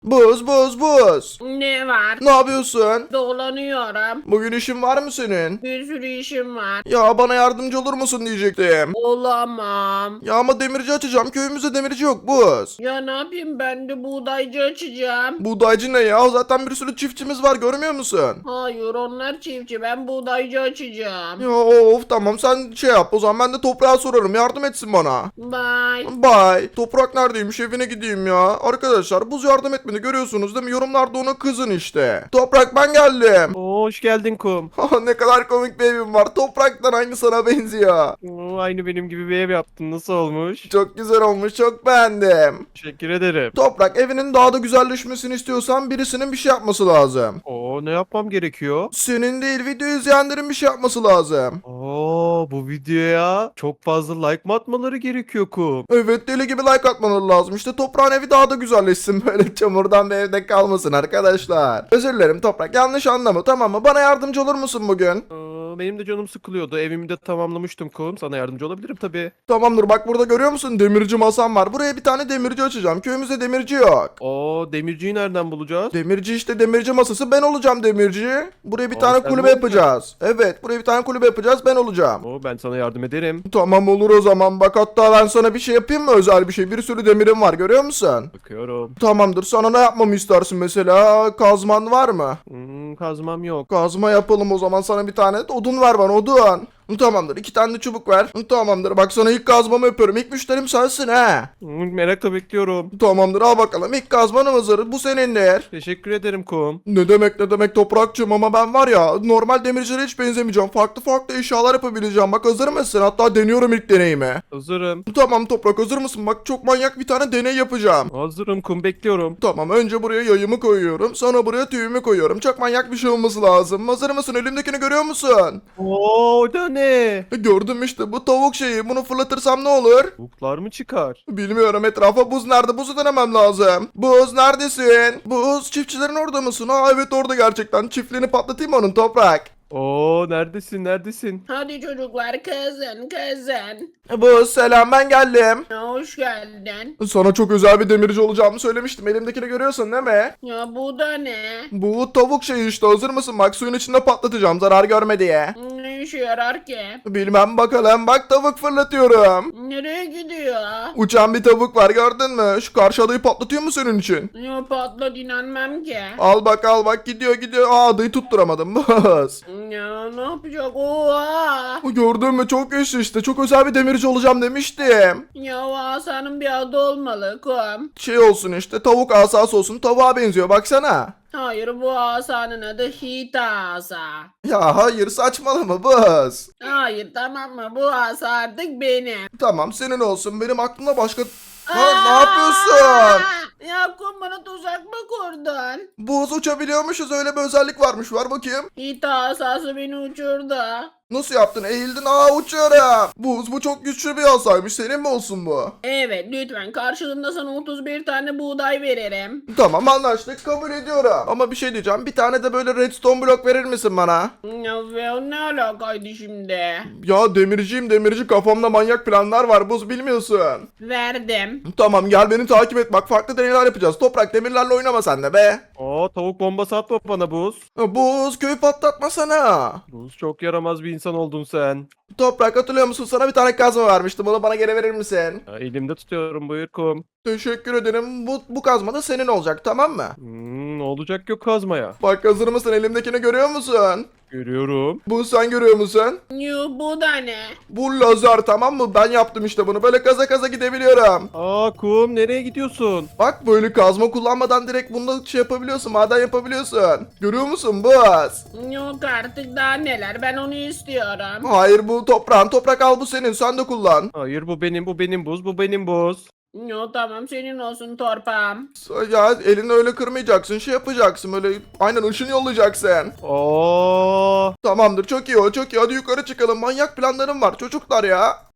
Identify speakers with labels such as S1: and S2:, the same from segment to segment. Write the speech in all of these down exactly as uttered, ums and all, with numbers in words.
S1: Buz buz buz.
S2: Ne var?
S1: Ne yapıyorsun?
S2: Dolanıyorum.
S1: Bugün işin var mı senin?
S2: Bir sürü işim var.
S1: Ya bana yardımcı olur musun diyecektim.
S2: Olamam.
S1: Ya ama demirci açacağım. Köyümüzde demirci yok buz.
S2: Ya ne yapayım, ben de buğdaycı açacağım.
S1: Buğdaycı ne ya? Zaten bir sürü çiftçimiz var, görmüyor musun?
S2: Hayır, onlar çiftçi, ben buğdaycı açacağım.
S1: Ya of, tamam sen şey yap, o zaman ben de toprağa sorarım, yardım etsin bana.
S2: Bye.
S1: Bye. Toprak neredeymiş, evine gideyim ya. Arkadaşlar buz yardım etmedi, görüyorsunuz değil mi? Yorumlarda ona kızın işte. Toprak, ben geldim.
S3: Oo, hoş geldin kum.
S1: Ne kadar komik bir evim var. Topraktan aynı sana benziyor.
S3: Oo, aynı benim gibi bir ev yaptın. Nasıl olmuş?
S1: Çok güzel olmuş, çok beğendim.
S3: Teşekkür ederim.
S1: Toprak, evinin daha da güzelleşmesini istiyorsan birisinin bir şey yapması lazım.
S3: Oo, ne yapmam gerekiyor?
S1: Senin değil, video izleyenlerin bir şey yapması lazım.
S3: Oo, bu videoya çok fazla like mı atmaları gerekiyor kum?
S1: Evet, deli gibi like atmaları lazım. İşte toprağın evi daha da güzelleşsin. Böyle çamurdan bir evde kalmasın arkadaşlar. Özür dilerim Toprak, yanlış anlama, tamam mı? Bana yardımcı olur musun bugün?
S3: Aa, benim de canım sıkılıyordu. Evimi de tamamlamıştım kum. Sana yardımcı olabilirim tabii.
S1: Tamamdır, bak burada görüyor musun? Demirci masam var. Buraya bir tane demirci açacağım. Köyümüzde demirci yok.
S3: Oo, demirciyi nereden bulacağız?
S1: Demirci işte, demirci masası, ben olacağım demirci. Buraya bir
S3: Aa,
S1: tane
S3: sen
S1: kulübe
S3: mi
S1: yapacağız. Evet, buraya bir tane kulübe yapacağız, ben olacağım.
S3: Oo, ben sana yardım ederim.
S1: Tamam, olur o zaman. Bak hatta ben sana bir şey yapayım mı, özel bir şey? Bir sürü demirim var, görüyor musun?
S3: Bakıyorum.
S1: Tamamdır, sana ne yapmamı istersin mesela? Kazman var mı?
S3: Hmm, kazmam yok.
S1: Kazma yapalım o zaman, sana bir tane. Odun ver bana, odun. Tamamdır, iki tane de çubuk ver. Tamamdır, bak sana ilk kazmamı yapıyorum. İlk müşterim sensin ha.
S3: Hmm, merakla bekliyorum.
S1: Tamamdır, al bakalım, ilk kazmanım hazır. Bu senindir.
S3: Teşekkür ederim kum.
S1: Ne demek ne demek Toprakçığım, ama ben var ya, normal demircilere hiç benzemeyeceğim. Farklı farklı eşyalar yapabileceğim. Bak, hazır mısın? Hatta deniyorum ilk deneyimi.
S3: Hazırım.
S1: Tamam Toprak, hazır mısın? Bak, çok manyak bir tane deney yapacağım.
S3: Hazırım kum, bekliyorum.
S1: Tamam, önce buraya yayımı koyuyorum. Sonra buraya tüyümü koyuyorum. Çok manyak bir şey olması lazım. Hazır mısın? Elimdekini görüyor musun?
S3: Oo, o da ne?
S1: E, Gördüm işte, bu tavuk şeyi. Bunu fırlatırsam ne olur?
S3: Tavuklar mı çıkar?
S1: Bilmiyorum, etrafa buz nerede? Buzu denemem lazım. Buz neredesin? Buz, çiftçilerin orada mısın? Ha evet, orada gerçekten. Çiftliğini patlatayım onun, Toprak.
S3: Oo, neredesin neredesin?
S2: Hadi çocuklar, kızın kızın.
S1: Buz selam, ben geldim.
S2: Ya hoş geldin.
S1: Sana çok özel bir demirci olacağımı söylemiştim. Elimdekini görüyorsun değil mi?
S2: Ya bu da ne?
S1: Bu tavuk şeyi işte, hazır mısın? Bak, suyun içinde patlatacağım zarar görme diye.
S2: Ne işe yarar ki?
S1: Bilmem, bakalım. Bak, tavuk fırlatıyorum.
S2: Nereye gidiyor?
S1: Uçan bir tavuk var, gördün mü? Şu karşı adayı patlatıyor mu senin için?
S2: Ya patla, dinlenmem ki.
S1: Al bak, al bak, gidiyor gidiyor. Aa, adayı tutturamadım. Bas.
S2: Ya ne yapacak? Oha!
S1: Gördün mü, çok güçlü işte. Çok özel bir demirci olacağım demiştim.
S2: Ya o asanın bir adı olmalı kum.
S1: Şey olsun işte, tavuk asası olsun. Tavuğa benziyor, baksana.
S2: Hayır, bu asanın adı Hita asa.
S1: Ya hayır, saçmalama Bas.
S2: Hayır, tamam mı? Bu asa artık benim.
S1: Tamam, senin olsun. Benim aklımda başka... Ha,
S2: Aa!
S1: ne yapıyorsun?
S2: Ya kum, bana tuzak mı kurdun?
S1: Buz, uçabiliyormuşuz, öyle bir özellik varmış. Var bakayım.
S2: Hita asası beni uçurdu.
S1: Nasıl yaptın? Eğildin. Aa, uçuyorum. Buz, bu çok güçlü bir asaymış. Senin mi olsun bu?
S2: Evet, lütfen, karşılığında sana otuz bir tane buğday veririm.
S1: Tamam, anlaştık, kabul ediyorum. Ama bir şey diyeceğim. Bir tane de böyle redstone blok verir misin bana?
S2: Ya ve o ne alakaydı şimdi?
S1: Ya demirciyim, demirci, kafamda manyak planlar var. Buz, bilmiyorsun.
S2: Verdim.
S1: Tamam, gel beni takip et. Bak, farklı deneyler yapacağız. Toprak, demirlerle oynama sen de be.
S3: Oo, tavuk bombası atma bana buz.
S1: Buz, köyü patlatmasana.
S3: Buz, çok yaramaz bir insan oldun sen.
S1: Toprak, hatırlıyor musun? Sana bir tane kazma vermiştim. Onu bana geri verir misin?
S3: Ya, elimde tutuyorum, buyur kum.
S1: Teşekkür ederim. Bu, bu kazma da senin olacak, tamam mı?
S3: Hmm, ne olacak yok kazmaya.
S1: Bak, hazır mısın? Elimdekini görüyor musun?
S3: Görüyorum.
S1: Bu, sen görüyor musun?
S2: Yuh, bu da ne?
S1: Bu lazer, tamam mı? Ben yaptım işte bunu. Böyle kaza kaza gidebiliyorum.
S3: Aa kum, nereye gidiyorsun?
S1: Bak, böyle kazma kullanmadan direkt bunda şey yapabiliyorsun. Maden yapabiliyorsun. Görüyor musun Buz?
S2: Yok artık, daha neler, ben onu istiyorum.
S1: Hayır, bu toprağın. Toprak, al, bu senin. Sen de kullan.
S3: Hayır, bu benim, bu benim buz, bu benim buz.
S2: Yo, tamam, senin olsun torpam.
S1: Ya elini öyle kırmayacaksın. Şey yapacaksın. Böyle aynen ışın yollayacaksın.
S3: Oo.
S1: Tamamdır, çok iyi o, çok iyi. Hadi yukarı çıkalım. Manyak planlarım var çocuklar ya.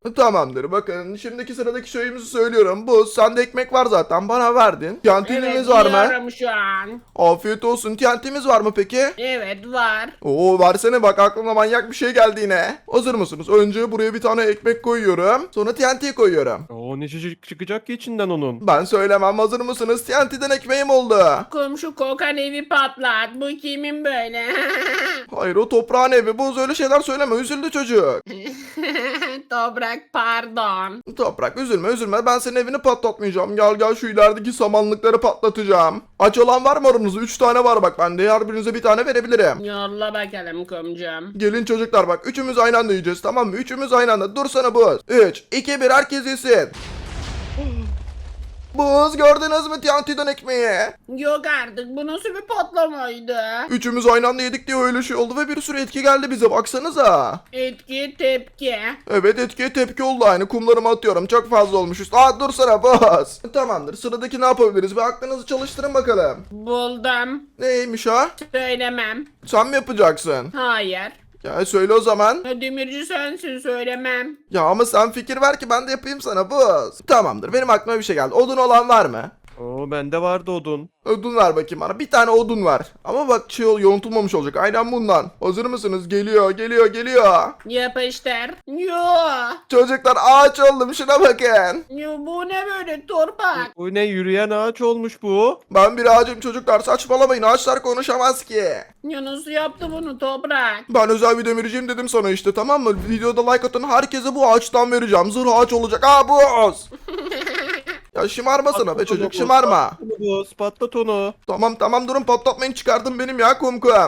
S1: Tamamdır, bakın şimdiki sıradaki şeyimizi söylüyorum. Bu sende ekmek var zaten, bana verdin. Tiyantinimiz
S2: Evet,
S1: var mı?
S2: yiyorum şu an.
S1: Afiyet olsun. Tiyantimiz var mı peki?
S2: Evet, var.
S1: Oo, versene bak, aklıma manyak bir şey geldi yine. Hazır mısınız? Önce buraya bir tane ekmek koyuyorum. Sonra T N T koyuyorum.
S3: Oo ne çocuk çıkacak ki içinden onun?
S1: Ben söylemem, hazır mısınız? T N T'den ekmeğim oldu.
S2: Komşu kokan evi patlat. Bu kimin böyle?
S1: Hayır, o toprağın evi. Buz, öyle şeyler söyleme, üzüldü çocuk.
S2: Toprak pardon.
S1: Toprak üzülme üzülme, ben senin evini patlatmayacağım. Gel gel, şu ilerideki samanlıkları patlatacağım. Aç olan var mı aranızda? Üç tane var bak bende, her birinize bir tane verebilirim.
S2: Yolla bakalım komşum.
S1: Gelin çocuklar, bak üçümüz aynı anda yiyeceğiz, tamam mı? Üçümüz aynı anda. Dursana Buz. üç, iki, bir, herkes yesin. Buz, gördünüz mü T N T'den ekmeği?
S2: Yok artık, bu nasıl bir patlamaydı?
S1: Üçümüz aynı anda yedik diye öyle şey oldu ve bir sürü etki geldi bize, baksanıza.
S2: Etki tepki.
S1: Evet, etkiye tepki oldu aynı. Kumlarımı atıyorum, çok fazla olmuşuz. Aa, dursana Buz. Tamamdır, sıradaki ne yapabiliriz? Bir aklınızı çalıştırın bakalım.
S2: Buldum.
S1: Neymiş o?
S2: Söylemem.
S1: Sen mi yapacaksın?
S2: Hayır.
S1: Ya söyle o zaman.
S2: Demirci sensin, söylemem.
S1: Ya ama sen fikir ver ki ben de yapayım sana Buz. Tamamdır, benim aklıma bir şey geldi. Odun olan var mı?
S3: Oo bende vardı odun.
S1: Odun ver bakayım bana. Bir tane odun var. Ama bak şey ol, yontulmamış olacak. Aynen bundan. Hazır mısınız? Geliyor, geliyor, geliyor.
S2: Yapıştır. Yo.
S1: Çocuklar, ağaç oldum, şuna bakın.
S2: Yo, bu ne böyle torpak?
S3: Bu ne, yürüyen ağaç olmuş bu?
S1: Ben bir ağacım çocuklar, saçmalamayın. Ağaçlar konuşamaz ki.
S2: Ya nasıl yaptı bunu toprak?
S1: Ben özel bir demirciyim dedim sana işte, tamam mı? Videoda like atan herkese bu ağaçtan vereceğim. Zırh ağaç olacak. Aa, Buz. Ya şımarmasana be
S3: Patlat
S1: çocuk,
S3: onu,
S1: şımarma.
S3: patlat onu Buz, patlat onu.
S1: Tamam tamam, durun, patlatmayın, çıkardım benim ya kumkum.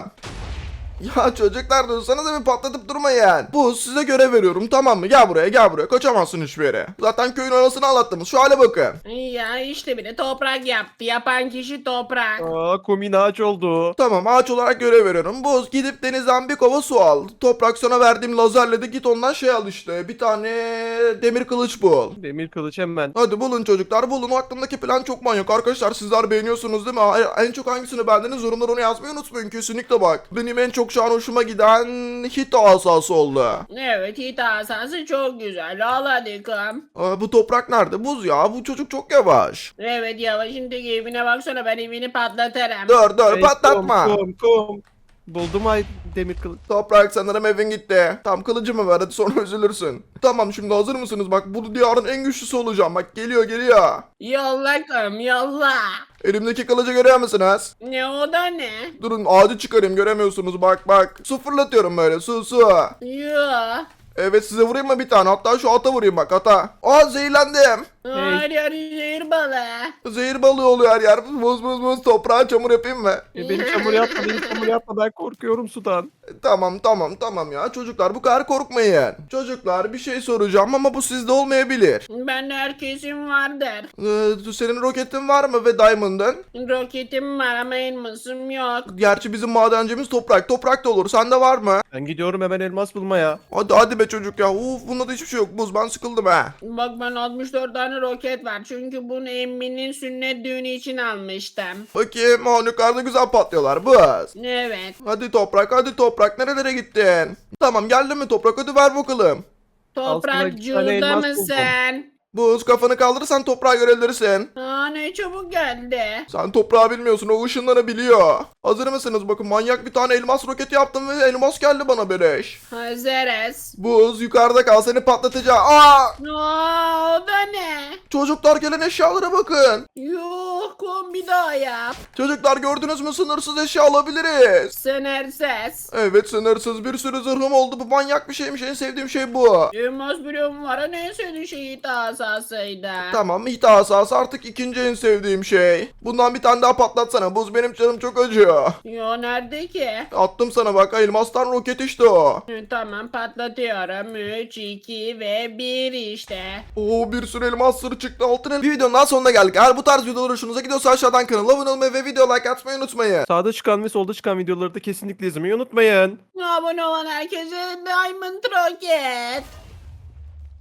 S1: Ya çocuklar, dursanıza bir, patlatıp durmayın. Bu, size görev veriyorum, tamam mı? Gel buraya, gel buraya, kaçamazsın hiçbir yere. Zaten köyün anasını anlattınız, şu hale bakın.
S2: Ya işte bile toprak yaptı. Yapan kişi toprak.
S3: Aa kumin ağaç oldu.
S1: Tamam, ağaç olarak görev veriyorum. Buz, gidip denizden bir kova su al. Toprak, sana verdiğim lazerle de git ondan şey al işte. Bir tane demir kılıç bul.
S3: Demir kılıç hemen.
S1: Hadi bulun çocuklar, bulun. Aklımdaki plan çok manyak arkadaşlar, sizler beğeniyorsunuz değil mi? Ay- En çok hangisini beğendiniz, yorumlara onu yazmayı unutmayın kesinlikle bak. Benim en çok şu an hoşuma giden hit asası oldu.
S2: Evet, hit asası çok güzel. Al hadi kom.
S1: Aa, bu toprak nerede? Buz ya, bu çocuk çok yavaş.
S2: Evet, yavaşındaki evine baksana, ben evini patlatırım.
S1: Dur dur,
S3: Hey,
S1: patlatma.
S3: Kum, kum, kum. Buldum ay demir kılıç.
S1: Toprak, sanırım evin gitti. Tam kılıcımı ver, hadi sonra üzülürsün. Tamam, şimdi hazır mısınız? Bak, bu diyarın en güçlüsü olacağım. Bak, geliyor geliyor.
S2: Yolla kom, yolla.
S1: Elimdeki kılıcı görüyor musunuz?
S2: Ne o da ne?
S1: Durun, ağacı çıkarayım, göremiyorsunuz, bak bak. Su fırlatıyorum böyle, su su.
S2: Yo.
S1: Evet, size vurayım mı bir tane? Hatta şu ata vurayım, bak ata. Aa, zehirlendim.
S2: Hayır, hayır, zehir balığı.
S1: Zehir balığı oluyor her yer. Muz muz muz, toprağa çamur yapayım mı?
S3: E, beni çamur yapma, beni çamur yapma, ben korkuyorum sudan.
S1: Tamam tamam tamam ya çocuklar, bu kadar korkmayın. Çocuklar, bir şey soracağım ama bu sizde olmayabilir.
S2: Ben de herkesin vardır.
S1: Ee, senin roketin var mı ve diamond'ın?
S2: Roketim var ama elmasım yok.
S1: Gerçi bizim madencimiz toprak. Toprak da olur. Sende var mı?
S3: Ben gidiyorum hemen elmas bulmaya.
S1: Hadi hadi be çocuk ya. Uf, bunda da hiçbir şey yok. Buz, ben sıkıldım ha.
S2: Bak, ben altmış dört tane roket var. Çünkü bunu emminin sünnet düğünü için almıştım.
S1: Bakayım, o yukarıda güzel patlıyorlar. Buz.
S2: Evet.
S1: Hadi toprak, hadi toprak. Nerelere gittin? Tamam, geldin mi toprak? Hadi ver bakalım.
S2: Toprak
S3: Altına iki
S2: cüzda
S3: tane elmas buldum.
S2: mısın?
S1: Buz, kafanı kaldırırsan toprağı görebilirsin.
S2: Aa, ne çabuk geldi.
S1: Sen toprağı bilmiyorsun, o ışınlanabiliyor. Hazır mısınız? Bakın, manyak bir tane elmas roketi yaptım ve elmas geldi bana beleş.
S2: Hazırız.
S1: Buz, yukarıda kal, seni patlatacağım. Aa!
S2: Aa, o da ne?
S1: Çocuklar, gelen eşyalara bakın.
S2: Yuh, kom bir daha yap.
S1: Çocuklar, gördünüz mü? Sınırsız eşya alabiliriz.
S2: Sınırsız.
S1: Evet, sınırsız bir sürü zırhım oldu. Bu manyak bir şeymiş. En sevdiğim şey bu.
S2: Elmas bloğum var. Hani en sevdiğin şey hit asasıydı.
S1: Tamam, hita asası artık ikinci en sevdiğim şey. Bundan bir tane daha patlatsana. Buz, benim canım çok acıyor.
S2: Yo, nerede ki?
S1: Attım sana bak, elmastan roket işte o.
S2: Hı, tamam, patlatıyorum. üç, iki ve bir işte.
S1: Oo, bir sürü elmas sırrı çıktı altın. Bir videonun daha sonuna geldik. Eğer bu tarz videolar hoşunuza gidiyorsa aşağıdan kanala abone olmayı ve video like atmayı unutmayın.
S3: Sağda çıkan ve solda çıkan videoları da kesinlikle izlemeyi unutmayın.
S2: Abone olan herkese Diamond Rocket.